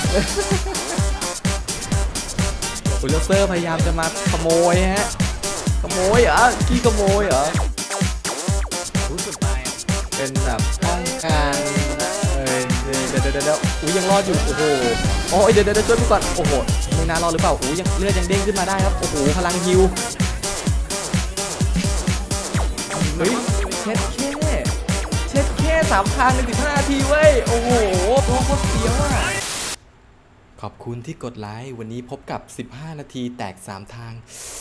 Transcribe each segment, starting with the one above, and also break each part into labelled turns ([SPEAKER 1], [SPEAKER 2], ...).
[SPEAKER 1] อุลเซอร์พยายามจะมาขโมยฮะขโมยเหรอขี้ขโมยเหรอรู้สึกไปเป็นแบบป้องกันเดี๋ยวอุ้ยยังรอดอยู่โอ้โหโอ้ยเดี๋ยวช่วยพี่ก่อนโอ้โหไม่น่ารอดหรือเปล่าอุ้ยยังเลือดยังเด้งขึ้นมาได้ครับโอ้โหพลังฮิวเฮ้ยเช็ดแค่3 ครั้งใน15 นาทีเว้ยโอ้โหตัวโคตรเสียวอ่ะขอบคุณที่กดไลค์วันนี้พบกับ15 นาทีแตก3 ทาง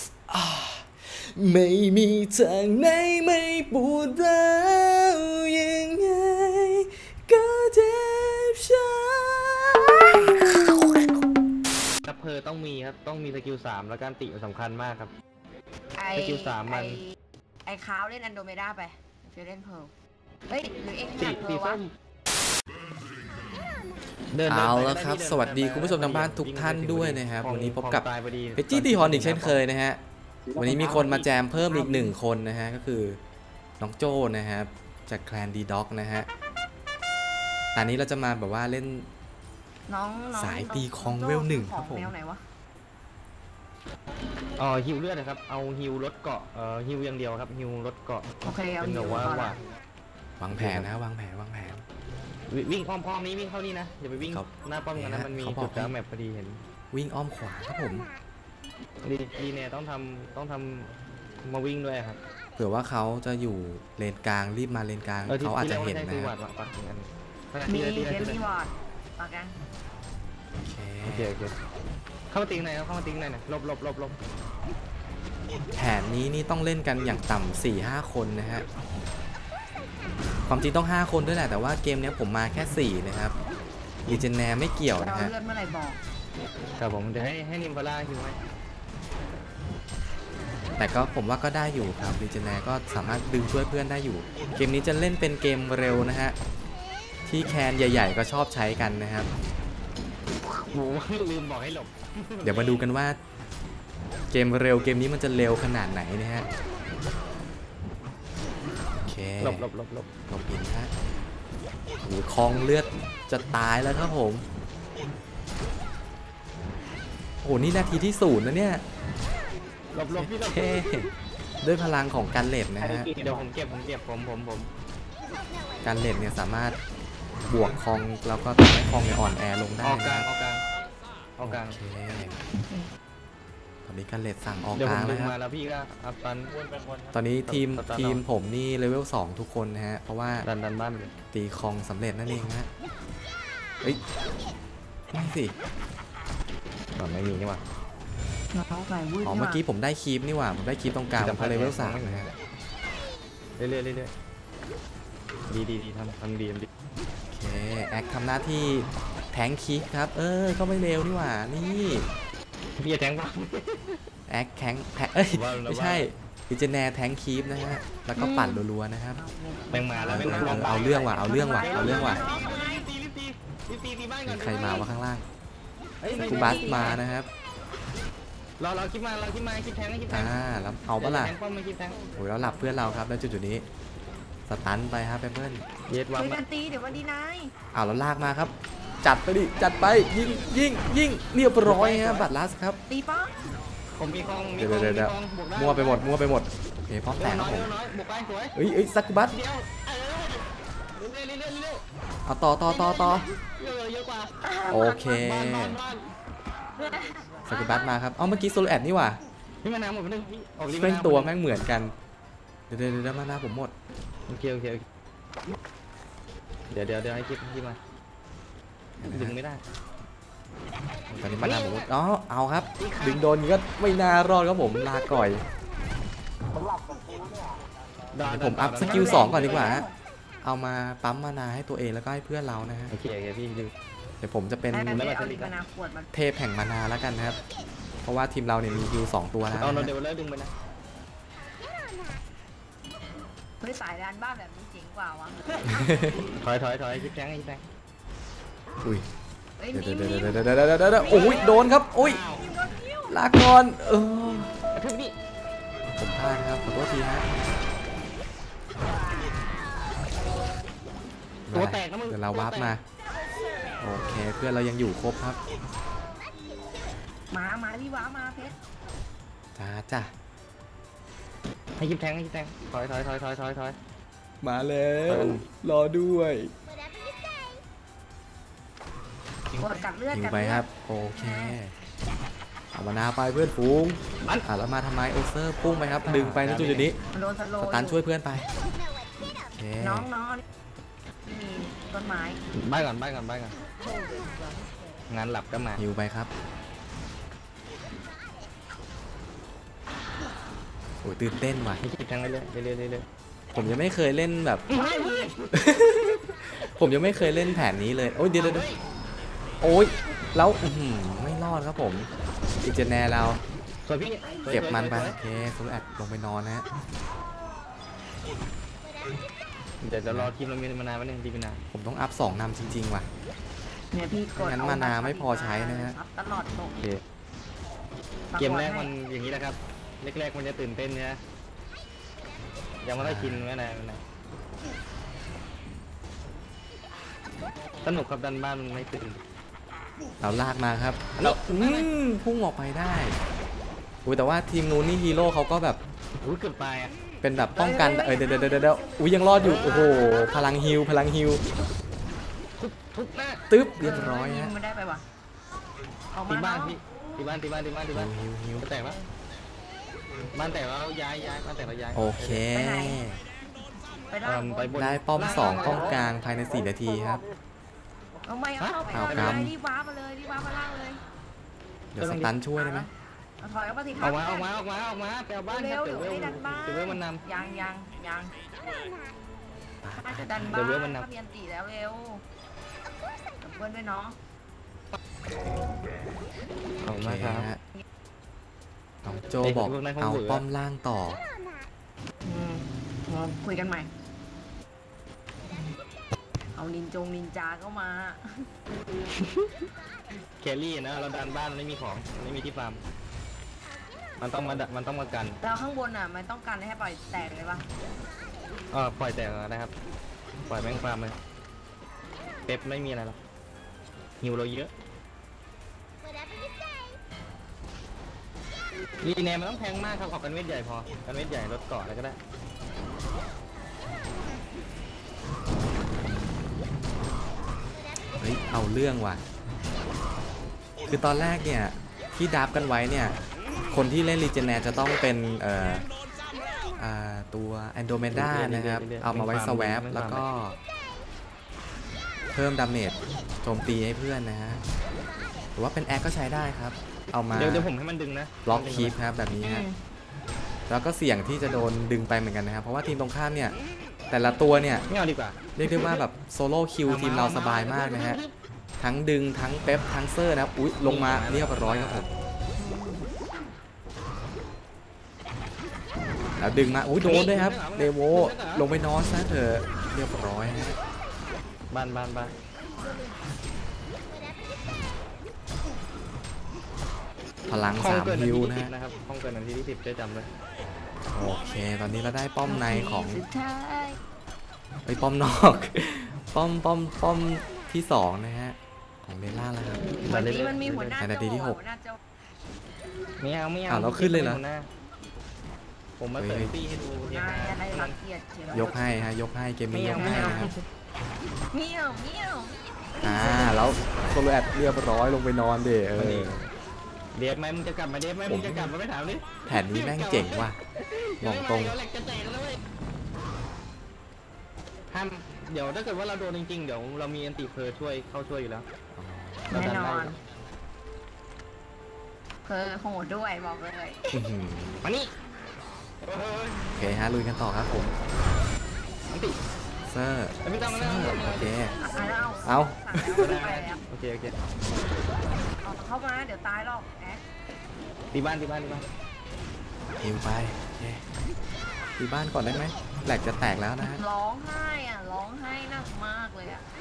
[SPEAKER 1] ไม่มีทางไหนไม่ปวดร้าวยังไงก็เจ็บช้ำ
[SPEAKER 2] ดับเพลิงต้องมีครับต้องมีสกิล3แล้วการติสำคัญมากครับสกิล3มัน
[SPEAKER 3] ไอ้ค้าวเล่นอันโดเมดาไปเฟรเล่นเพร์ลเฮ้ยหรือเอ็งหนักเพร์ลวะ
[SPEAKER 1] เอาแล้วครับสวัสดีคุณผู้ชมทางบ้านทุกท่านด้วยนะครับวันนี้พบกับเพจจี้ตีฮอนอีกเช่นเคยนะฮะวันนี้มีคนมาแจมเพิ่มอีก1 คนนะฮะก็คือน้องโจ้นะครับจากแคลนดีด็อกนะฮะตอนนี้เราจะมาแบบว่าเล่นสายตีคองเวล1ครับผม
[SPEAKER 2] ฮิวเลือดนะครับเอาฮิวลดเกาะฮิวอย่างเดียวครับฮิวลดเกาะ
[SPEAKER 3] โอเคเอาฮิว
[SPEAKER 2] ว่
[SPEAKER 1] าวางแผนนะวางแผน
[SPEAKER 2] วิ่งอ้อมนี้วิ่งเข้านี่นะอย่าไปวิ่งหน้าป้อมกันนะมันมีจุดกลางแมปพอดีเห็น
[SPEAKER 1] วิ่งอ้อมขวาครับผม
[SPEAKER 2] ดีเนี่ยต้องทำมาวิ่งด้วยครับ
[SPEAKER 1] เผื่อว่าเขาจะอยู่เลนกลางรีบมาเลนกลางเขาอาจจะเห็นนะ
[SPEAKER 3] มีเดมี่วอร์ดปากกัน
[SPEAKER 2] โอเคเข้ามาตีไหนเข้ามาตีไหนนะลบ
[SPEAKER 1] แผนนี้นี่ต้องเล่นกันอย่างต่ำ4-5 คนนะฮะความจริงต้อง5 คนด้วยแหละแต่ว่าเกมนี้ผมมาแค่4นะครับดีเจนแนไม่เกี่ยวนะฮะ
[SPEAKER 3] เลื่อนเมื่อไหร่บอก
[SPEAKER 2] ครับผมจะให้นิมฟาร่าคิวไหม
[SPEAKER 1] แต่ก็ผมว่าก็ได้อยู่ครับดีเจนแนก็สามารถดึงช่วยเพื่อนได้อยู่เกมนี้จะเล่นเป็นเกมเร็วนะฮะที่แคนใหญ่ๆก็ชอบใช้กันนะครับ
[SPEAKER 2] โอ้ลืมบอกให้หลบ
[SPEAKER 1] เดี๋ยวมาดูกันว่าเกมเร็วเกมนี้มันจะเร็วขนาดไหนนะฮะโอเค
[SPEAKER 2] หลบ
[SPEAKER 1] อินฮะโอ้คองเลือดจะตายแล้วครับผมโอ้นี่นาทีที่0นะเนี่ย
[SPEAKER 2] หลบพี่หลบ
[SPEAKER 1] ด้วยพลังของการเลดนะฮะ
[SPEAKER 2] เดี๋ยวผมเก็บผม
[SPEAKER 1] การเลดเนี่ยสามารถบวกคองแล้วก็ทำให้คองเนี่ยอ่อนแอลงได้
[SPEAKER 2] นะ
[SPEAKER 1] โอเคตอนนี้การเลดสั่งออกกลางแล้วครับตอนนี้ทีมผมนี่เลเวล2ทุกคนนะฮะเพราะว่า
[SPEAKER 2] ดันบ้าน
[SPEAKER 1] ตีคองสำเร็จนั่นเองฮะเฮ้ยไม่สิ
[SPEAKER 2] ไม่มีนี่หว่า
[SPEAKER 1] อ๋อเมื่อกี้ผมได้คีปนี่หว่าผมได้คีปตรงกลางเพราะเลเวล3นะฮะ
[SPEAKER 2] เรื่อยดีทำดี
[SPEAKER 1] โอเคแอคทำหน้าที่แทงคีปครับก็ไม่เร็วนี่หว่านี่
[SPEAKER 2] พี่จะแทงป่ะ
[SPEAKER 1] แอคแทงไม่ใช่ดิเจเนแทงคีปนะฮะแล้วก็ปั่นรัวๆนะครับ
[SPEAKER 2] แม่งมาแล้ว
[SPEAKER 1] เอาเรื่องว่ะมีใครมาวะข้างล่างกูบัสมานะครับ
[SPEAKER 2] เราคิดมาคิดแทง
[SPEAKER 1] แล้วเอาปะล่ะโอ้ยแล้วหลับเพื่อนเราครับแล้วจุดนี้สตันไปครับเพื่อน
[SPEAKER 3] เย็ดวันตีเดี๋ยววันดีนาย
[SPEAKER 1] แล้วลากมาครับจัดไปยิงเรียบร้อยครับบัตรลัสครับ
[SPEAKER 3] ตีป้อ
[SPEAKER 2] ผมมีคอง
[SPEAKER 1] เดี๋ยวมั่วไปหมดโอเคพร้อมแตกครับผมเฮ้ยซักบัตเอาต่อโอเคสกิบัตมาครับเมื่อกี้โซลแอดนี่หว่า
[SPEAKER 2] พี่มาน้ำหมดไปนึง
[SPEAKER 1] แม่งตัวแม่งเหมือนกันเดี๋ยวมาหน้าผมหมด
[SPEAKER 2] โอเคเดี๋ยวให้คิดมาดึงไม่ได้
[SPEAKER 1] ตอนนี้มาหน้าผมเอาครับดึงโดนก็ไม่น่ารอดครับผมลาก่อยผมอัพสกิล2ก่อนดีกว่าเอามาปั๊มมานาให้ตัวเองแล้วก็ให้เพื่อนเรานะฮะ
[SPEAKER 2] โอเคพี่เ
[SPEAKER 1] ดี๋ยวผมจะเป็นเทพแห่งมานาแล้วกันนะครับเพราะว่าทีมเราเนี่ยมีฮิว2 ตัวแล้ว
[SPEAKER 2] เอาเดี๋ยวเลิกดึงไปนะ
[SPEAKER 3] เฮ้ยสายดันบ้านแบบนี้เจ๋งกว่าวะ
[SPEAKER 2] ถอยคิดแทง
[SPEAKER 1] อุ้ยเดี๋ยวโอ้ยโดนครับโอ้ยลาก่อน
[SPEAKER 2] ถึงนี่
[SPEAKER 1] ผมพลาดครับขอโทษทีนะ
[SPEAKER 2] ตัวแตกนะมึง
[SPEAKER 1] เดี๋ยวเราวาร์ปมาโอเคเพื่อนเรายังอยู่ครบครับ
[SPEAKER 3] มาพี่ว้ามาเพชร
[SPEAKER 1] จ้า
[SPEAKER 2] ให้ยิบแทงถอย
[SPEAKER 1] มาแล้วรอด้วย
[SPEAKER 3] กดกัดเลือด
[SPEAKER 1] ยิง
[SPEAKER 3] กัด
[SPEAKER 1] ไป
[SPEAKER 3] เลือด
[SPEAKER 1] ครับโอเคเอามานาไปเพื่อนฝูงแล้วมาทำไมโอเซอร์พุ่งไปครับดึงไปในจุดนี้
[SPEAKER 3] มันโดนสโล
[SPEAKER 1] สตันช่วยเพื่อนไปโอเค
[SPEAKER 3] น้องมีต้นไม้
[SPEAKER 2] บ้านก่อนงานหลับก็มา
[SPEAKER 1] ฮิวไปครับโอ้ยตื่นเต้นว่ะ
[SPEAKER 2] ให้ยิบแทงเรื่อย
[SPEAKER 1] ผมยังไม่เคยเล่นแบบ ผมยังไม่เคยเล่นแผนนี้เลยโอ้ยเดี๋ยวโอ้ยแล้วไม่รอดครับผมอีกเจนแนร์เรา
[SPEAKER 2] สวยพี่
[SPEAKER 1] เก็บมันไปโอเคโซลแอดลงไปนอนนะฮะ
[SPEAKER 2] เดี๋ยวจะรอทีมเรามีมานานวันนึงทีมนาน
[SPEAKER 1] ผมต้องอัพ2นำจริงๆว่ะ
[SPEAKER 3] เนี่ยพี่กด
[SPEAKER 1] งั้นมานาไม่พอใช้นะฮะ
[SPEAKER 3] ตลอดตก
[SPEAKER 2] โอเคเกมแรกมันอย่างนี้แหละครับแรกมันจะตื่นเต้นเนี่ยยังไม่ได้กินไม่นานสนุกครับดันบ้านมันไม่ตื่น
[SPEAKER 1] เราลากมาครับแล้วพุ่งออกไปได้อุ้ยแต่ว่าทีมนู้นนี่ฮีโร่เขาก็แบบ
[SPEAKER 2] อุ้ยเกือบตายอ่ะ
[SPEAKER 1] เป็นแบบป้องกันเดี๋ยวอุ้ยยังรอดอยู่โอ้โหพลังฮิว
[SPEAKER 2] ทุบหน้า
[SPEAKER 1] ตึ๊บเรียบร้อย
[SPEAKER 3] ยิ
[SPEAKER 1] ฮะ
[SPEAKER 3] งมันได้ไปวะออก
[SPEAKER 2] ตี
[SPEAKER 3] มา
[SPEAKER 2] บ้าน
[SPEAKER 3] เนาะ
[SPEAKER 2] พี่ตีบ้าน
[SPEAKER 1] ฮิว
[SPEAKER 2] แตกแล้วบ้านแตกแล้วย้ายบ้านแตกแล้วย้าย
[SPEAKER 1] โอเค
[SPEAKER 3] ไปได้
[SPEAKER 2] ไปบน
[SPEAKER 1] ได้ป้อม2ป้อมกลางภายใน4 นาทีครับ
[SPEAKER 3] เอาไม่เข้าไป
[SPEAKER 1] เอา
[SPEAKER 3] เลย
[SPEAKER 1] กำ
[SPEAKER 3] รีบว้ามาเลยรีบว้ามาล่างเลย
[SPEAKER 1] เดี๋ยวสตันช่วยได้ไหม
[SPEAKER 3] เอาถอยออกมาสิ
[SPEAKER 2] ออกมาไปเอาบ้านค
[SPEAKER 3] เร็
[SPEAKER 2] รับ
[SPEAKER 3] วเดี๋ยวไม่ได้ดันบ้าน
[SPEAKER 2] เดี๋ยวเวลมันน
[SPEAKER 3] ยังน่าจะดันบ้านถ้ามีอันตีแล้วเร็วกับเพื่อนด้วยเนาะ
[SPEAKER 2] ำขอบ
[SPEAKER 1] โอ
[SPEAKER 2] คุณ
[SPEAKER 1] เค
[SPEAKER 2] มากครับ
[SPEAKER 1] ฮะน้องโจบอกเอาป้อมล่างต่อ
[SPEAKER 3] คุยกันใหม่เอานินจาเข้ามา
[SPEAKER 2] แครี่นะเราดันบ้านไม่มีของไม่มีที่ฟาร์มมันต้องมากัน
[SPEAKER 3] แล้วข้างบนอ่ะมันต้องการให้ปล่อยแตกเลยปะ
[SPEAKER 2] ปล่อยแตกนะครับปล่อยแม่งฟาร์มเลยเป๊ปไม่มีอะไรหรอกหิวเราเยอะรีแนมมันต้องแพงมากครับออกกันเวทใหญ่พอกันเวทใหญ่ลดเกาะอะไรก็ได้
[SPEAKER 1] เฮ้ยเอาเรื่องว่ะคือตอนแรกเนี่ยที่ดับกันไว้เนี่ยคนที่เล่นรีเจเนร์จะต้องเป็นตัวแอนโดเมดานะครับเอามาไว้สวปแล้วก็เพิ่มดาเมจโจมตีให้เพื่อนนะฮะหรือว่าเป็นแอคก็ใช้ได้ครับเอามา
[SPEAKER 2] เดี๋ยวผมให้มันดึงนะ
[SPEAKER 1] ล็อกคีปครับแบบนี้ฮะแล้วก็เสี่ยงที่จะโดนดึงไปเหมือนกันนะครับเพราะว่าทีมตรงข้ามเนี่ยแต่ละตัวเนี่ย
[SPEAKER 2] ไม่เอาดีกว่า
[SPEAKER 1] เรียกได้ว่าแบบโซโล่คิวทีมเราสบายมากนะฮะทั้งดึงทั้งเป๊ปทั้งเซอร์นะครับอุ๊ยลงมาเรียบร้อยครับผมแล้วดึงมาอุ๊ยโดนด้วยครับเดโวลงไปนอนซะเถอะเรียบร้อยฮะ
[SPEAKER 2] บ้าน
[SPEAKER 1] พลัง3ฮิวนะฮะ
[SPEAKER 2] นะครับห้องเกินนาทีที่10ได้จำเลย
[SPEAKER 1] โอเคตอนนี้เราได้ป้อมในของ
[SPEAKER 3] สุดท้าย
[SPEAKER 1] ไปป้อมนอกป้อมที่2นะฮะของเดล่าแล้วครับ
[SPEAKER 3] วันนี้มันมีหัวหน้า
[SPEAKER 1] ในนาทีที่
[SPEAKER 3] โจ
[SPEAKER 1] 6
[SPEAKER 3] หัวหน้าโจ
[SPEAKER 2] ไม่เอา
[SPEAKER 1] อ้าวเราขึ้นเลยเหรอ
[SPEAKER 2] ผมมาเติมปีให้ดู
[SPEAKER 3] หัวหน้าอะไรรังเกียจเชียวย
[SPEAKER 1] กให้ฮะยกให้เกมนี้ยกให้นะครับ
[SPEAKER 3] เมียว
[SPEAKER 1] แล้วโซโลแอดเรียบร้อยลงไปนอนเด้อ
[SPEAKER 2] เดฟไหมมึงจะกลับมาเดฟไหมมึงจะกลับมาไม่ถามดิ
[SPEAKER 1] แผ่นนี้แม่งเจ๋งว่ะบอกตรง
[SPEAKER 2] ห้ามเดี๋ยวถ้าเกิดว่าเราโดนจริงๆเดี๋ยวเรามีอันติเพอช่วยเข้าช่วยอยู่แล้ว
[SPEAKER 3] แน่นอนเพอโหดด้วยบอกเลย
[SPEAKER 2] มานี่
[SPEAKER 1] โอเคฮะลุยกันต่อครับผม
[SPEAKER 2] อันติ
[SPEAKER 1] เซอร์
[SPEAKER 2] ไม่ต้องแล้ว
[SPEAKER 1] โอเค
[SPEAKER 3] เอา
[SPEAKER 2] โอเค
[SPEAKER 3] เข้ามาเดี๋ยวตายหรอกแอ๊ก
[SPEAKER 2] ตีบ้าน
[SPEAKER 1] ฮิวไปโอเคตีบ้านก่อนได้ไหมแหลกจะแตกแล้วนะฮะ
[SPEAKER 3] ร้องไห้หนักมากเลยอ่ะ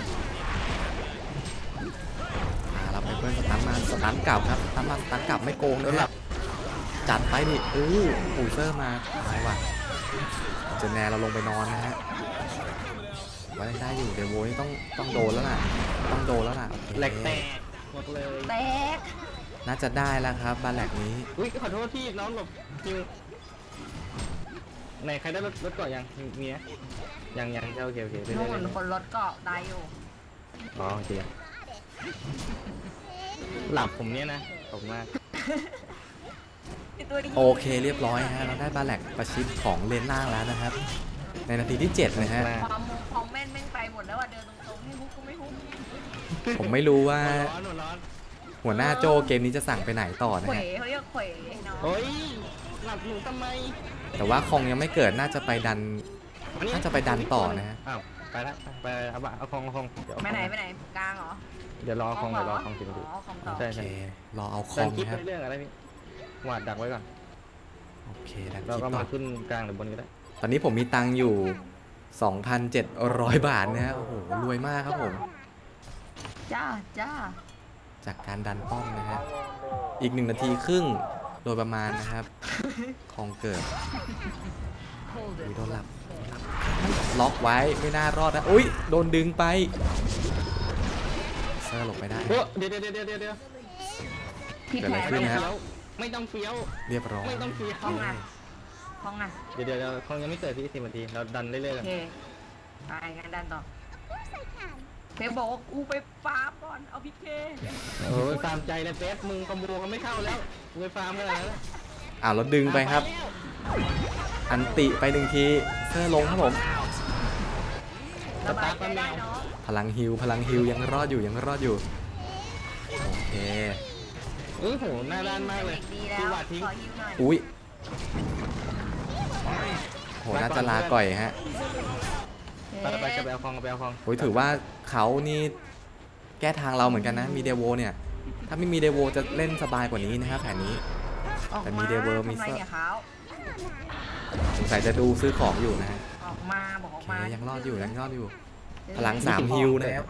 [SPEAKER 1] เราไปเบิ้ลสตันมาสตันกลับครับสตันกลับไม่โกงนะฮะจัดไปดิปูเซอร์มาตายว่ะเจนแนร์เราลงไปนอนนะฮะว่าได้อยู่เดโวนี่ต้องโดนแล้วล่ะต้องโดนแล้วล่ะโอเค
[SPEAKER 2] แหลกแตกหมดเลย
[SPEAKER 3] แตก
[SPEAKER 1] น่าจะได้แล้วครับบาแหลกนี้
[SPEAKER 2] อุ้ยขอโทษที่น้องหลบคิวไหนใครได้รถเกาะยังมีไหมยังโอเค
[SPEAKER 3] นู่นคนรถเกาะได้อยู่
[SPEAKER 2] อ๋อโอเคหลับผมเนี่ยนะขอบคุณมาก
[SPEAKER 1] โอเคเรียบร้อยฮะเราได้บาแหลกประชิดของเลนล่างแล้วนะครับในนาทีที่7นะฮะ
[SPEAKER 3] ความแม่นแม่งไปหมดแล้วอ่ะเดินตรงๆให้ฮุกก็ไม่ฮุก
[SPEAKER 1] ผมไม่รู้ว่า
[SPEAKER 2] ร้อน
[SPEAKER 1] หัวหน้าโจเกมนี้จะสั่งไปไหนต่อนะ
[SPEAKER 3] เขว
[SPEAKER 1] ฮะ
[SPEAKER 3] เขาเรียกเขวเนาะ
[SPEAKER 2] เฮ้ยหลับหนูทำไม
[SPEAKER 1] แต่ว่าคองยังไม่เกิดน่าจะไปดันต่อนะฮะ
[SPEAKER 2] อ้าวไปละไปเอาคอง
[SPEAKER 3] ไปไหนกลางเหรอ
[SPEAKER 2] เดี๋ยวรอคองสิบนาที
[SPEAKER 3] อ๋อคองต่อ
[SPEAKER 2] ใช่
[SPEAKER 1] โอเครอเอาค
[SPEAKER 2] เดิ
[SPEAKER 1] อน ง
[SPEAKER 2] คลิป
[SPEAKER 1] นะครับ
[SPEAKER 2] เรื่องอะไรพี่หวาดดักไว้ก่อน
[SPEAKER 1] โอเคดันค
[SPEAKER 2] เรา
[SPEAKER 1] ลิป
[SPEAKER 2] ก็
[SPEAKER 1] ต่
[SPEAKER 2] มา
[SPEAKER 1] อ
[SPEAKER 2] ขึ้นกลางหรือบนก็ได้
[SPEAKER 1] ตอนนี้ผมมีตังค์อยู่ 2,700 บาทนะฮะโอ้โหรวยมากครับผม
[SPEAKER 3] จ้า
[SPEAKER 1] จากการดันป้อมนะฮะอีก1 นาทีครึ่งโดยประมาณนะครับคองเกิดโดนหลับล็อกไว้ไม่น่ารอดนะอุ้ยโดนดึงไปเซอร์หลบไปได้
[SPEAKER 2] เดี๋ยว
[SPEAKER 3] พี่
[SPEAKER 1] เกิดอะไร
[SPEAKER 3] แพ้
[SPEAKER 1] ขึ้น
[SPEAKER 3] ไม่
[SPEAKER 1] นะครับ
[SPEAKER 2] ไม่ต้องเฟี้ยว
[SPEAKER 1] เรียบร้อย
[SPEAKER 2] ไม่ต้องเฟี้ยว
[SPEAKER 3] คองอ่ะ
[SPEAKER 2] เดี๋ยวคองยังไม่เกิดที่10 นาทีเราดันเรื่อยๆ
[SPEAKER 3] โอ
[SPEAKER 2] กัน
[SPEAKER 3] เคไปงั้นดันต่อเพบอกว่ากูไปฟาร์มก่อนเอาพี่เค
[SPEAKER 2] โอ้ยตามใจเลยเฟสมึงคอมโบกันไม่เข้าแล้วไปฟาร์มกันแล้ว
[SPEAKER 1] เราดึงไปครับ อันติไป1 ทีเซอร์ลงครับผม
[SPEAKER 3] สบายใจได้เนาะ
[SPEAKER 1] พลังฮิวยังรอดอยู่โอเค
[SPEAKER 2] โหหน้าด้านมากเลย
[SPEAKER 3] ดีแล้ว
[SPEAKER 2] คือหวาดทิ้ง
[SPEAKER 3] ขอฮิวหน่อย
[SPEAKER 1] อุ้ยโหน่าจะลาก่อยฮะ
[SPEAKER 2] ไปกับแบลคอง
[SPEAKER 1] โอ้ยถือว่าเขานี่แก้ทางเราเหมือนกันนะมีเดโวเนี่ยถ้าไม่มีเดโวจะเล่นสบายกว่านี้นะครับแผนนี้แต่มีเดโวมีเซอร์สงสัยจะดูซื้อของอยู่นะฮะ
[SPEAKER 3] ออกมาบอกออก
[SPEAKER 1] โอ
[SPEAKER 3] มา
[SPEAKER 1] เคยังรอดอยู่พลัง3ฮิวนะครับ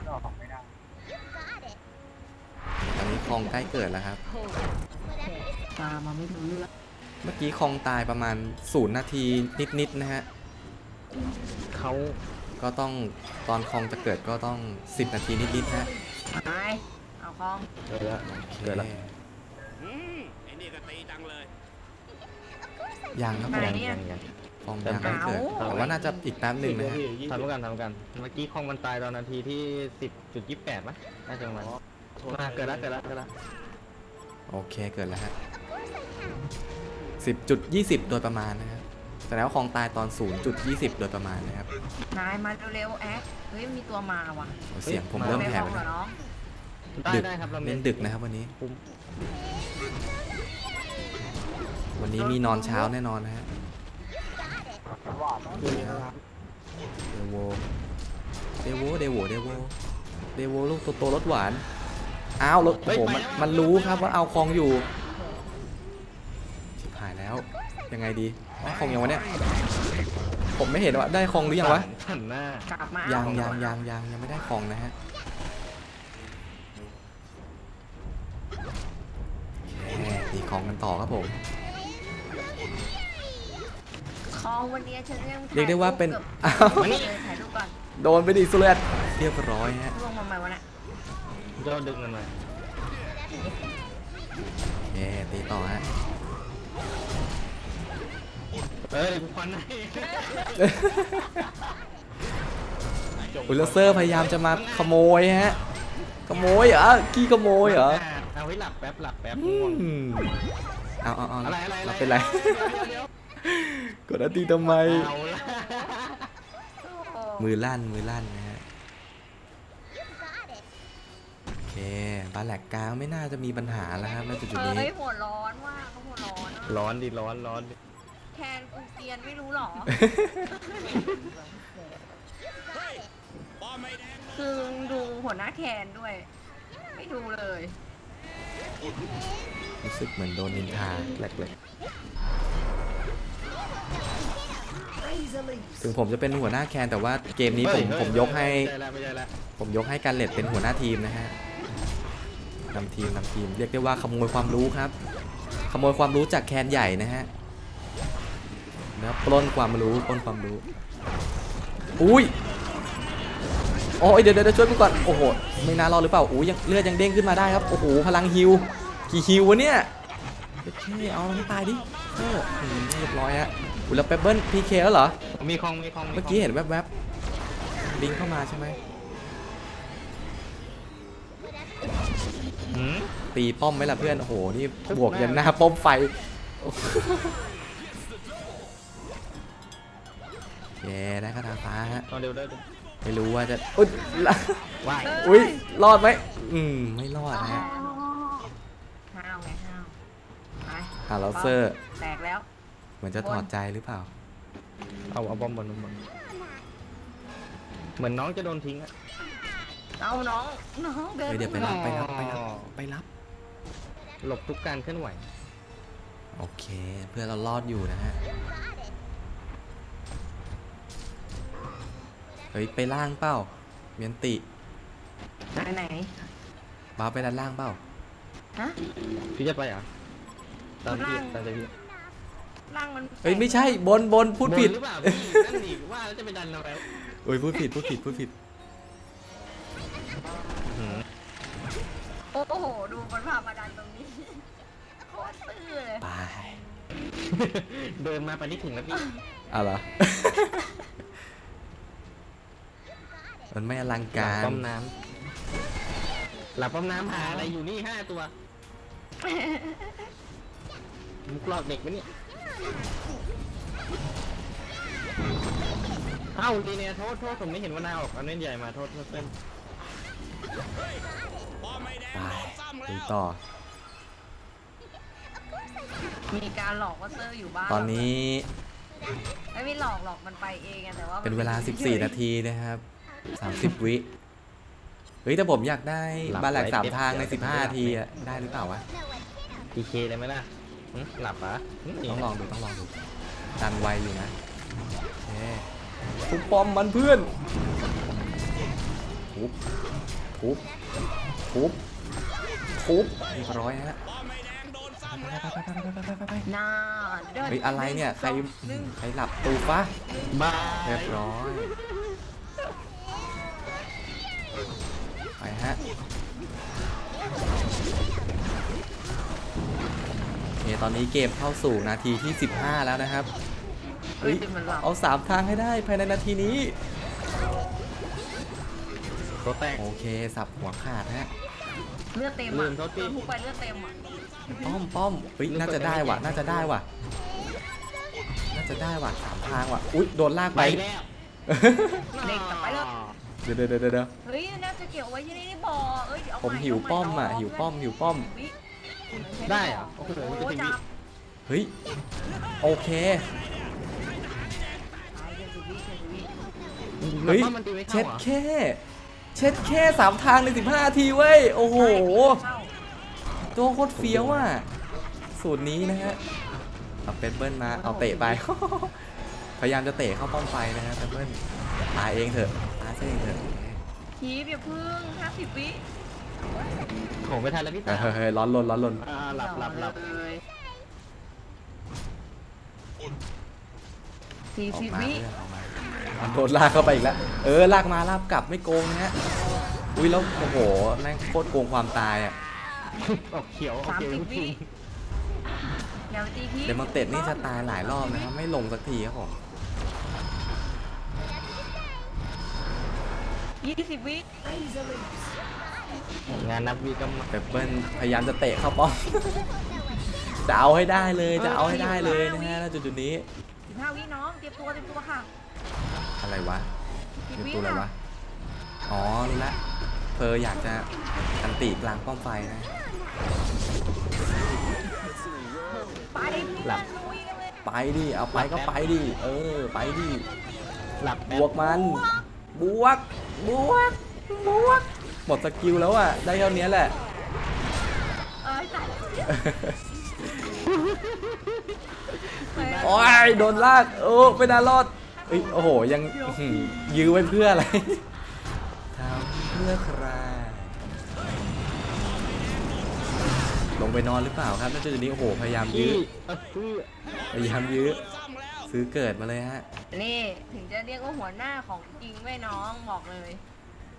[SPEAKER 1] ตอนนี้คองใกล้เกิดแล้วครับ
[SPEAKER 3] ตามมาไม่รู้เรื่อง
[SPEAKER 1] เมื่อกี้คองตายประมาณ0 นาทีนิดๆนะฮะ
[SPEAKER 2] เขา
[SPEAKER 1] ก็ต้องตอนคองจะเกิดก็ต้อง10 นาทีนิดๆนะ
[SPEAKER 3] ไปเอาคอง
[SPEAKER 2] เกิดแล้ว
[SPEAKER 4] ไอ้นี่ก็ตีจังเลย
[SPEAKER 1] ยังครับผม คองยังไม่เกิดแต่ว่าน่าจะอีกแป๊บหนึ่งนะฮะ
[SPEAKER 2] ทำกันเมื่อกี้คองมันตายตอนนาทีที่ 10.28มั้ยน่าจะประมาณเกิดแล้ว
[SPEAKER 1] โอเคเกิดแล้วฮะ 10.20 โดยประมาณนะครับแต่แล้วคองตายตอน 0.20 โดยประมาณนะครับ
[SPEAKER 3] นายมาเร็วๆแอ๊กเฮ้ยมีตัวมาว่ะ
[SPEAKER 1] เสียงผมเริ่มแผ่ว
[SPEAKER 3] เหร
[SPEAKER 1] แล้
[SPEAKER 3] อ
[SPEAKER 1] ว
[SPEAKER 3] น้อง
[SPEAKER 2] ได้ครับเรา
[SPEAKER 1] เล่นดึกนะครับวันนี้มีนอนเช้าแน่นอนนะฮะเดโวลูกโตรสหวานอ้าวรถโอ้โหมันรู้ครับว่าเอาคองอยู่ชิบหายแล้วยังไงดีได้คองยังวะเนี่ยผมไม่เห็นว่าได้คองหรือยังวะ
[SPEAKER 2] หันหน้าก
[SPEAKER 3] ลับมา
[SPEAKER 1] ยังไม่ได้คองนะฮะตีคองกันต่อครับผม
[SPEAKER 3] คองวันนี้ฉันยัง
[SPEAKER 1] เรียกได้ว่าเป็น
[SPEAKER 3] อ้าวถ่ายรูปก่อน
[SPEAKER 1] โดนไปดิสุเรศเรียบร้อยฮะ
[SPEAKER 3] ลงมาใหม่วะเนี่ย
[SPEAKER 2] ยอดดึกมันมา
[SPEAKER 1] โอเคตีต่อฮะ
[SPEAKER 2] ควันให้
[SPEAKER 1] อุลเซอร์พยายามจะมาขโมยฮะขโมยเหรอขี้ขโมยเหรอ
[SPEAKER 2] เอาไว้หลับแป๊บ
[SPEAKER 1] เอา
[SPEAKER 2] อะไร
[SPEAKER 1] เราเป็นไรกดอันตีทำไม
[SPEAKER 2] เอาละ
[SPEAKER 1] มือลั่นนะฮะโอเคบาแหลกกลางไม่น่าจะมีปัญหาแล้วครับในจุดนี้
[SPEAKER 3] เฮ้ยหัวร้อนว่ะเขาหัวร้อนอะ
[SPEAKER 2] ร้อนดิ
[SPEAKER 3] แคนกูเตียนไม่รู้หรอ คือดูหัวหน้าแคนด้วย ไม่ดูเลย
[SPEAKER 1] รู้สึกเหมือนโดนนินทา
[SPEAKER 2] แหลกเลย
[SPEAKER 1] ถึงผมจะเป็นหัวหน้าแคนแต่ว่าเกมนี้ผมยกให้
[SPEAKER 2] ไม่ใช่ละ
[SPEAKER 1] ผมยกให้การเล็ดเป็นหัวหน้าทีมนะฮะนำทีมเรียกได้ว่าขโมยความรู้ครับขโมยความรู้จากแคนใหญ่นะฮะแล้วปล้นความรู้อุ้ยโอ้ยเดี๋ยวช่วยกูก่อนโอ้โหไม่น่ารอดหรือเปล่าโอ้ยยังเลือดยังเด้งขึ้นมาได้ครับโอ้โหพลังฮิวกี่ฮิววะเนี่ยโอเคเอาให้ตายดิเรียบร้อยฮะอุ้ยแล้วเปเปิ้ลพีเคแล้วเหรอ
[SPEAKER 2] มีคลอง
[SPEAKER 1] เมื่อกี้เห็นแวบๆลิงเข้ามาใช่ไหมตีป้อมไหมล่ะเพื่อนโอ้โหนี่บวกยันหน้าป้อมไฟแย่ได้คาถาฟ้าฮะ
[SPEAKER 2] เร็วได้
[SPEAKER 1] ไม่รู้ว่าจะอุ้ย
[SPEAKER 2] ว่าย
[SPEAKER 1] อุ้ยรอดไหมไม่รอดนะฮะ
[SPEAKER 3] ห้าวไงห้าวไป
[SPEAKER 1] ฮาร์ลเซอร์
[SPEAKER 3] แตกแล้ว
[SPEAKER 1] เหมือนจะถอดใจหรือเปล่า
[SPEAKER 2] เอาบอมบนเหมือนน้องจะโดนทิ้งอะ
[SPEAKER 3] เอาน้องเดิน
[SPEAKER 1] เดี๋ยวไปรับ
[SPEAKER 2] หลบทุกการเคลื่อนไหว
[SPEAKER 1] โอเคเพื่อเรารอดอยู่นะฮะเฮ้ยไปล่างเปล่าเมียนติ
[SPEAKER 3] ไหน
[SPEAKER 1] บ้าไปด้านล่างเปล่า
[SPEAKER 3] ฮะ
[SPEAKER 2] พี่จะไปเหรอตามพี่
[SPEAKER 3] ล่างมัน
[SPEAKER 1] เฮ้ยไม่ใช่บนพูดผิด
[SPEAKER 2] หรือเปล่านั่นดิว่าแล้วจะไปดันเราแล้ว
[SPEAKER 1] โอ้ยพูดผิด
[SPEAKER 3] โอ้โหดูมันพามาดันตรงนี้โคตรซื่อเลย
[SPEAKER 1] ไป
[SPEAKER 2] เดินมาไปนี่ถึงแล้วพี่
[SPEAKER 1] อะไรมันไม่อลังการ
[SPEAKER 2] ป้อมน้ำหลับป้อมน้ำหาอะไรอยู่นี่5 ตัวมุกหลอกเด็กไหมเนี่ยเอ้าดีเนี่ยโทษผมไม่เห็นว่าหน้าออกเอาเน้นใหญ่มาโทษเต้น
[SPEAKER 1] ไปต่อ
[SPEAKER 3] มีการหลอกว่าเซอร์อยู่บ้าน
[SPEAKER 1] ตอนนี้
[SPEAKER 3] ไม่หลอกมันไปเองแต่ว่า
[SPEAKER 1] เป็นเวลา14 นาทีนะครับ30 วิเฮ้ยแต่ผมอยากได้บาแหลก3 ทางใน15 นาทีได้หรือเปล่าวะ
[SPEAKER 2] พีเคได้ไหมล่ะหลับปะ
[SPEAKER 1] ต้องลองดูดันไวอยู่นะทุบป้อมมันเพื่อนทุบเรียบร้อยฮะ
[SPEAKER 3] ไป
[SPEAKER 1] เฮ้ยอะไรเนี่ยใครหลับตูฟ้าเรียบร้อยไปฮะโอเคตอนนี้เกมเข้าสู่นาทีที่15แล้วนะครับเฮ้ยเอา3 ทางให้ได้ภายในนาทีนี้โอเคสับหัวขาดฮะ
[SPEAKER 3] เลือดเต็มอ่ะทุกไปเลือดเต็มอ่ะ
[SPEAKER 1] ป้อมเฮ้ยน่าจะได้ว่ะน่าจะได้ว่ะ3 ทางว่ะอุ๊ยโดนลากไป
[SPEAKER 2] แล้ว
[SPEAKER 3] เด็กกลับไปเลย
[SPEAKER 1] เดี๋ยว
[SPEAKER 3] เฮ้ยน่าจะเกี่ยวไว้ที่นี่บ่อ
[SPEAKER 1] ผมหิวป้อมอ่ะหิวป้อม
[SPEAKER 2] ได้เหรอโอ้โห
[SPEAKER 1] เฮ้ยโอเคเฮ้ยเช็ดแค่3 ทางใน15 นาทีเว้ยโอ้โหตัวโคตรเฟี้ยวอ่ะสูตรนี้นะฮะเอาเปเปิ้ลมาเอาเตะไปพยายามจะเตะเข้าป้อมไฟนะฮะเปเปิ้ลตายเองเถอะ
[SPEAKER 3] คีบอย่าพึ่ง50 วิ
[SPEAKER 2] โหไม่ทันแล้วพี่
[SPEAKER 1] เฮ้ยร้อนลน
[SPEAKER 2] หลับ
[SPEAKER 3] 40 วิ
[SPEAKER 1] โดนลากเข้าไปอีกแล้วลากมาลากกลับไม่โกงนะฮะอุ้ยแล้วโอ้โหแม่งโคตรโกงความตายอ่ะ
[SPEAKER 2] ออกเขียว
[SPEAKER 3] 30 วิเ
[SPEAKER 1] ดมอนเต็ดนี่จะตายหลายรอบนะครับไม่ลงสักทีครับผม
[SPEAKER 3] 20 วิ
[SPEAKER 2] งานนับวิก็
[SPEAKER 1] เปเปิ้ลพยายามจะเตะเข้าป้อมจะเอาให้ได้เลยนะฮะจุดนี้
[SPEAKER 3] 15 วิน้องเตรียมตัวค่ะ
[SPEAKER 1] อะไรวะเตรียมตัวอะไรวะอ๋อรู้ละเพออยากจะอันติกลางป้อมไฟนะไปดิเอาไปก็ไปดิไปดิบวกมันบวกหมดสกิลแล้วอ่ะได้เท่านี้แหละโอ้ยโดนลากไม่น่ารอดโอ้โหยังยื้อไว้เพื่ออะไรทำเพื่อใครลงไปนอนหรือเปล่าครับนั่นจุดนี้โอ้โหพยายามยื้อซื้อเกิดมาเลยฮะ
[SPEAKER 3] นี่ถึงจะเรียกว่าหัวหน้าของจริงไม่น้องบอกเลย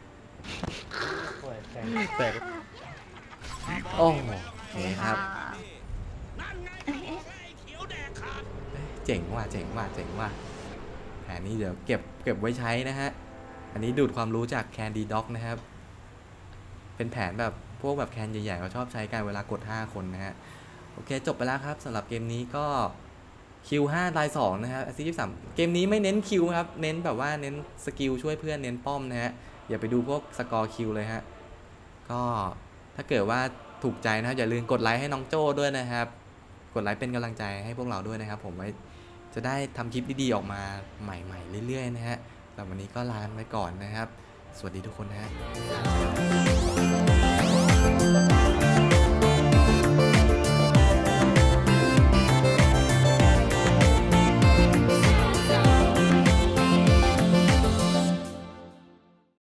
[SPEAKER 2] แตก
[SPEAKER 1] โอ้โอเคครับ
[SPEAKER 4] นั่นไงไอ้เขียวแดกขาด
[SPEAKER 1] เจ๋งว่ะเจ๋งว่ะเจ๋งว่ะแผนนี้เดี๋ยวเก็บไว้ใช้นะฮะอันนี้ดูดความรู้จาก Candy Dog นะครับเป็นแผนแบบพวกแบบแคนใหญ่ๆเขาชอบใช้กันเวลากด5คนนะฮะโอเคจบไปแล้วครับสำหรับเกมนี้ก็คิว5ตาย2นะครับแอสซิสต์23เกมนี้ไม่เน้นคิวครับเน้นแบบว่าเน้นสกิลช่วยเพื่อนเน้นป้อมนะฮะอย่าไปดูพวกสกอร์คิวเลยฮะก็ถ้าเกิดว่าถูกใจนะครับอย่าลืมกดไลค์ให้น้องโจ้ด้วยนะครับกดไลค์เป็นกำลังใจให้พวกเราด้วยนะครับผมไว้จะได้ทำคลิปดีๆออกมาใหม่ๆเรื่อยๆนะฮะแต่วันนี้ก็ลาไปก่อนนะครับสวัสดีทุกคนนะฮะ